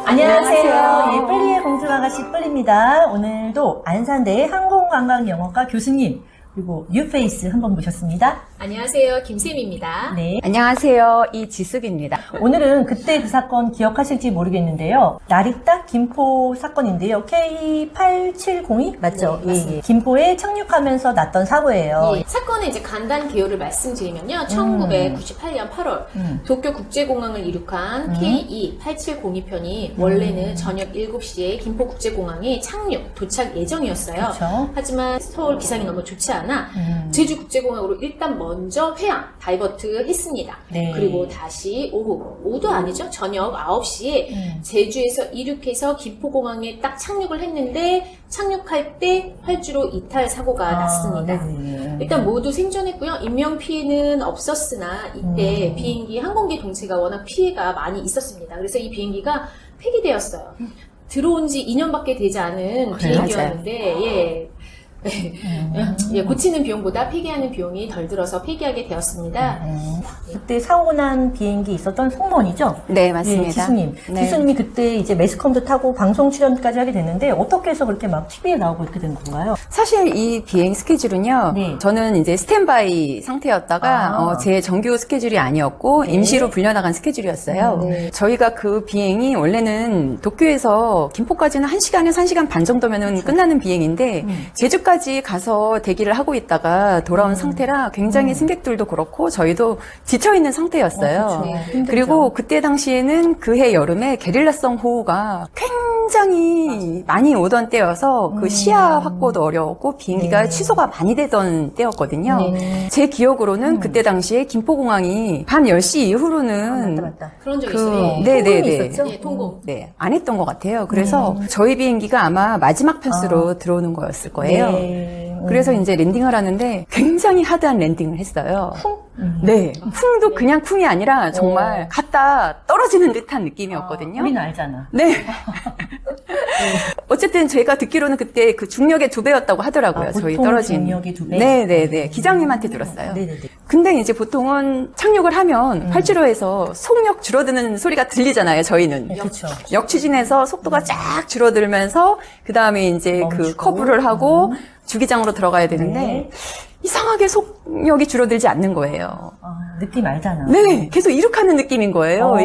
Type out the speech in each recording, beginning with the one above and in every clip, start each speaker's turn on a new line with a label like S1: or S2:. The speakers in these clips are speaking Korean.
S1: 안녕하세요. 예, 뿔리의 공주아가씨 뿔리입니다. 오늘도 안산대 항공관광영어과 교수님 그리고 뉴페이스 한 번 모셨습니다.
S2: 안녕하세요. 김쌤입니다.
S1: 네.
S3: 안녕하세요. 이지숙입니다.
S1: 오늘은 그때 그 사건 기억하실지 모르겠는데요. 나리딱 김포 사건인데요. K8702 맞죠?
S2: 네, 맞습니다.
S1: 예. 김포에 착륙하면서 났던 사고예요.
S2: 예, 사건의 이제 간단 개요를 말씀드리면요. 1998년 8월 도쿄국제공항을 이륙한 KE8702편이 원래는 저녁 7시에 김포국제공항에 도착 예정이었어요.
S1: 그쵸.
S2: 하지만 서울 기상이 너무 좋지 않아 제주국제공항으로 일단 먼저 다이버트 했습니다.
S1: 네.
S2: 그리고 다시 오후도 아니죠. 저녁 9시에 제주에서 이륙해서 김포공항에 딱 착륙을 했는데 착륙할 때 활주로 이탈 사고가 났습니다.
S1: 네네.
S2: 일단 모두 생존했고요. 인명피해는 없었으나 이때 비행기 항공기 동체가 워낙 피해가 많이 있었습니다. 그래서 이 비행기가 폐기되었어요. 들어온 지 2년밖에 되지 않은 비행기였는데 고치는 비용보다 폐기하는 비용이 덜 들어서 폐기하게 되었습니다.
S1: 그때 사고 난 비행기 있었던 승무원이죠?
S3: 네, 맞습니다.
S1: 예, 지수님.
S3: 네.
S1: 지수님이 그때 이제 매스컴도 타고 방송 출연까지 하게 됐는데 어떻게 해서 그렇게 막 TV에 나오고 이렇게 된 건가요?
S3: 사실 이 비행 스케줄은요,
S1: 네.
S3: 저는 이제 스탠바이 상태였다가 제 정규 스케줄이 아니었고 임시로 불려나간 스케줄이었어요.
S1: 네.
S3: 저희가 그 비행이 원래는 도쿄에서 김포까지는 1시간에서 1시간 반 정도면 끝나는 비행인데 제주까지 가서 대기를 하고 있다가 돌아온 상태라 굉장히 승객들도 그렇고 저희도 지쳐있는 상태였어요.
S1: 그렇죠.
S3: 그리고 그때 당시에는 그해 여름에 게릴라성 호우가 굉장히 많이 오던 때여서 그 시야 확보도 어려웠고 비행기가 취소가 많이 되던 때였거든요. 제 기억으로는 그때 당시에 김포공항이 밤 10시 이후로는
S1: 맞다.
S2: 그런 적이 있어요.
S3: 네네네.
S1: 있었죠?
S2: 예, 통공.
S3: 네, 안 했던 것 같아요. 그래서 저희 비행기가 아마 마지막 편수로 들어오는 거였을 거예요.
S1: 네.
S3: 그래서 이제 랜딩을 하는데 굉장히 하드한 랜딩을 했어요. 네. 쿵도 그냥 쿵이 아니라 정말 갔다 떨어지는 듯한 느낌이었거든요.
S1: 우리는 알잖아.
S3: 네. 어쨌든 제가 듣기로는 그때 그 중력의 2배였다고 하더라고요. 저희
S1: 보통
S3: 떨어진.
S1: 중력의 2배?
S3: 네네네. 기장님한테 들었어요.
S1: 네네네.
S3: 근데 이제 보통은 착륙을 하면 활주로에서 속력 줄어드는 소리가 들리잖아요. 저희는.
S1: 그렇죠.
S3: 역추진해서 속도가 쫙 줄어들면서 그 다음에 이제 그
S1: 멈추고.
S3: 커브를 하고 주기장으로 들어가야 되는데
S1: 네.
S3: 이상하게 속력이 줄어들지 않는 거예요.
S1: 느낌 알잖아.
S3: 네, 계속 이륙하는 느낌인 거예요.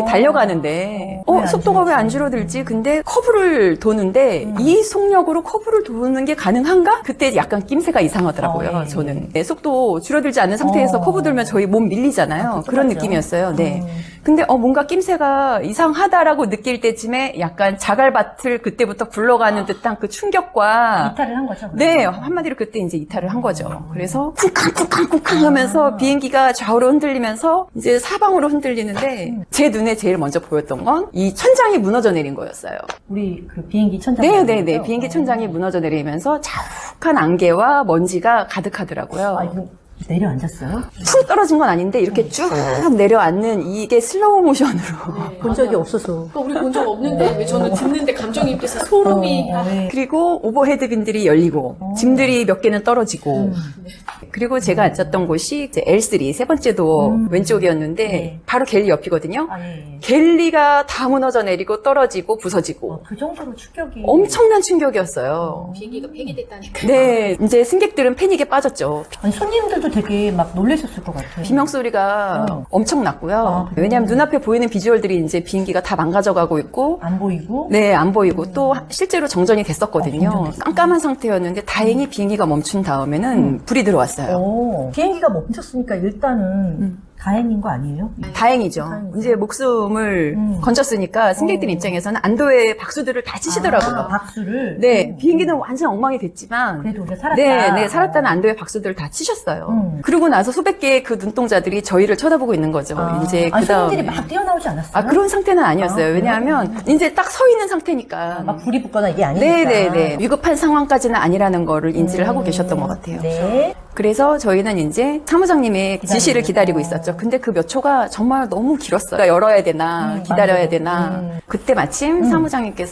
S3: 달려가는데.
S1: 왜안
S3: 속도가 왜 안 줄어들지? 근데 커브를 도는데 이 속력으로 커브를 도는 게 가능한가? 그때 약간 낌새가 이상하더라고요.
S1: 예.
S3: 저는. 네, 속도 줄어들지 않는 상태에서 커브 돌면 저희 몸 밀리잖아요. 그런
S1: 맞죠.
S3: 느낌이었어요. 네. 근데 뭔가 낌새가 이상하다라고 느낄 때쯤에 약간 자갈밭을 그때부터 굴러가는 듯한 그 충격과
S1: 이탈을 한 거죠?
S3: 네, 한마디로 그때 이제 이탈을 한 거죠. 그래서 쿵쾅쿵쾅쿵쾅 하면서 비행기가 좌우로 흔들리면서 이제 사방으로 흔들리는데 제 눈에 제일 먼저 보였던 건 이 천장이 무너져 내린 거였어요.
S1: 우리 그 비행기 천장.
S3: 네네네. 비행기 천장이 무너져 내리면서 자욱한 안개와 먼지가 가득하더라고요.
S1: 이거 내려앉았어요?
S3: 툭 떨어진 건 아닌데 이렇게 쭉 내려앉는 이게 슬로우 모션으로.
S1: 본 적이 없어서.
S2: 우리 본 적 없는데 왜 저는 듣는데 감정이입돼서 소름이
S3: 그리고 오버헤드빈들이 열리고 짐들이 몇 개는 떨어지고 그리고 제가 앉았던 곳이 이제 L3 세 번째 도어 왼쪽이었는데
S1: 네.
S3: 바로 갤리 옆이거든요.
S1: 예.
S3: 갤리가 다 무너져 내리고 떨어지고 부서지고
S1: 그 정도로 충격이.
S3: 엄청난 충격이었어요.
S2: 비행기가 폐기됐다니까.
S3: 네, 이제 승객들은 패닉에 빠졌죠.
S1: 아니, 손님들도 되게 막 놀라셨을 것 같아요.
S3: 비명 소리가 엄청 났고요.
S1: 그래요?
S3: 왜냐하면 눈앞에 보이는 비주얼들이 이제 비행기가 다 망가져가고 있고
S1: 안 보이고.
S3: 네, 안 보이고 또 실제로 정전이 됐었거든요.
S1: 정전됐어요.
S3: 깜깜한 상태였는데 다행히 비행기가 멈춘 다음에는 불이 들어왔어요.
S1: 비행기가 멈췄으니까 일단은 다행인 거 아니에요?
S3: 다행이죠.
S1: 다행이죠.
S3: 이제 목숨을 건졌으니까 승객들 입장에서는 안도의 박수들을 다 치시더라고요.
S1: 박수를.
S3: 네, 비행기는 완전 엉망이 됐지만
S1: 그래도 우리가 살았다.
S3: 네, 살았다는 안도의 박수들을 다 치셨어요. 그러고 나서 수백 개의 그 눈동자들이 저희를 쳐다보고 있는 거죠. 이제
S1: 손님들이
S3: 그다음에
S1: 막 뛰어나오지 않았어요?
S3: 그런 상태는 아니었어요.
S1: 그래요?
S3: 왜냐하면 이제 딱 서 있는 상태니까.
S1: 막 불이 붙거나 이게 아니니까.
S3: 네네네. 위급한 상황까지는 아니라는 거를 인지를 하고 계셨던 것 같아요.
S1: 네.
S3: 그래서 저희는 이제 사무장님의 지시를 기다리고 있었죠. 근데 그 몇 초가 정말 너무 길었어요. 열어야 되나, 기다려야 되나. 그때 마침 사무장님께서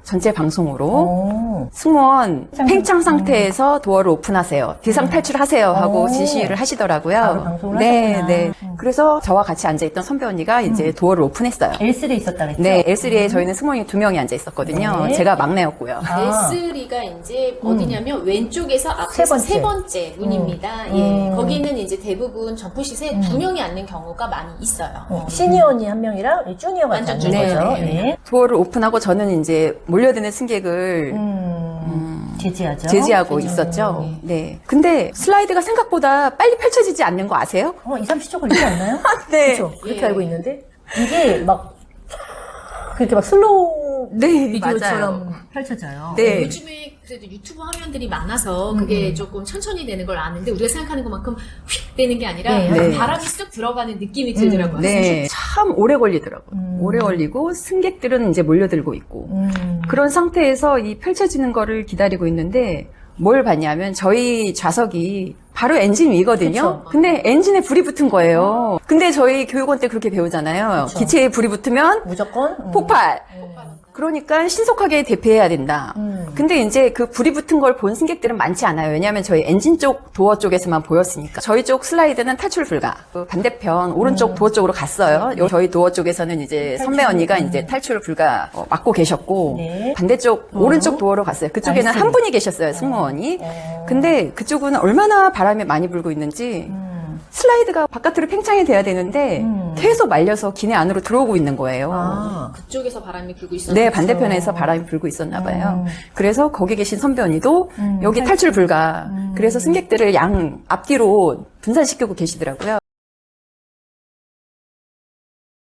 S3: 전체 방송으로
S1: 오.
S3: 승무원 팽창 상태에서 도어를 오픈하세요. 비상 탈출하세요 하고
S1: 오.
S3: 지시를 하시더라고요.
S1: 바로 방송을
S3: 네,
S1: 하셨구나.
S3: 네. 그래서 저와 같이 앉아있던 선배 언니가 이제 도어를 오픈했어요.
S1: L3에 있었다 그랬죠?
S3: 네, L3에 저희는 승무원이 2명이 앉아 있었거든요.
S1: 네.
S3: 제가 막내였고요.
S1: 아.
S2: S3가 이제 어디냐면 왼쪽에서
S1: 세
S2: 앞에서
S1: 번째.
S2: 세 번째 문입니다. 예. 거기는 이제 대부분 점프시트에 2명이 앉는 경우가 많이 있어요.
S1: 시니어 언니 한 명이랑 이 주니어가
S2: 완전
S1: 앉는
S2: 주니어.
S1: 거죠.
S3: 네.
S1: 네.
S3: 도어를 오픈하고 저는 이제 몰려드는 승객을
S1: 제지하죠.
S3: 제지하고 있었죠. 네. 근데 슬라이드가 생각보다 빨리 펼쳐지지 않는 거 아세요?
S1: 2, 30초 걸리지 않나요?
S3: 네.
S1: 그렇죠. 그렇게
S2: 예.
S1: 알고 있는데 이게 막 그렇게 막 슬로우
S3: 네,
S1: 비디오처럼 펼쳐져요.
S3: 네.
S2: 요즘에 그래도 유튜브 화면들이 많아서 그게 조금 천천히 되는 걸 아는데 우리가 생각하는 것만큼 휙 되는 게 아니라
S1: 네.
S2: 바람이 쑥 들어가는 느낌이 들더라고요.
S3: 네. 참 오래 걸리더라고요. 오래 걸리고 승객들은 이제 몰려들고 있고 그런 상태에서 이 펼쳐지는 거를 기다리고 있는데 뭘 봤냐면 저희 좌석이 바로 엔진 위거든요.
S1: 그쵸.
S3: 근데 엔진에 불이 붙은 거예요. 근데 저희 교육원 때 그렇게 배우잖아요.
S1: 그쵸.
S3: 기체에 불이 붙으면
S1: 무조건
S3: 폭발. 그러니까 신속하게 대피해야 된다. 근데 이제 그 불이 붙은 걸 본 승객들은 많지 않아요. 왜냐하면 저희 엔진 쪽 도어 쪽에서만 보였으니까. 저희 쪽 슬라이드는 탈출 불가. 그 반대편 오른쪽 도어 쪽으로 갔어요. 저희 도어 쪽에서는 이제 선배 언니가 이제 탈출 불가 맡고 계셨고
S1: 네.
S3: 반대쪽 오른쪽 도어로 갔어요. 그쪽에는
S1: 나이스.
S3: 한 분이 계셨어요, 승무원이. 근데 그쪽은 얼마나 바람이 많이 불고 있는지 슬라이드가 바깥으로 팽창이 돼야 되는데 계속 말려서 기내 안으로 들어오고 있는 거예요.
S1: 아,
S2: 그쪽에서 바람이 불고 있었는데
S3: 네, 반대편에서 바람이 불고 있었나 봐요. 그래서 거기 계신 선배 언니도 여기 탈출 불가. 그래서 승객들을 양 앞뒤로 분산시키고 계시더라고요.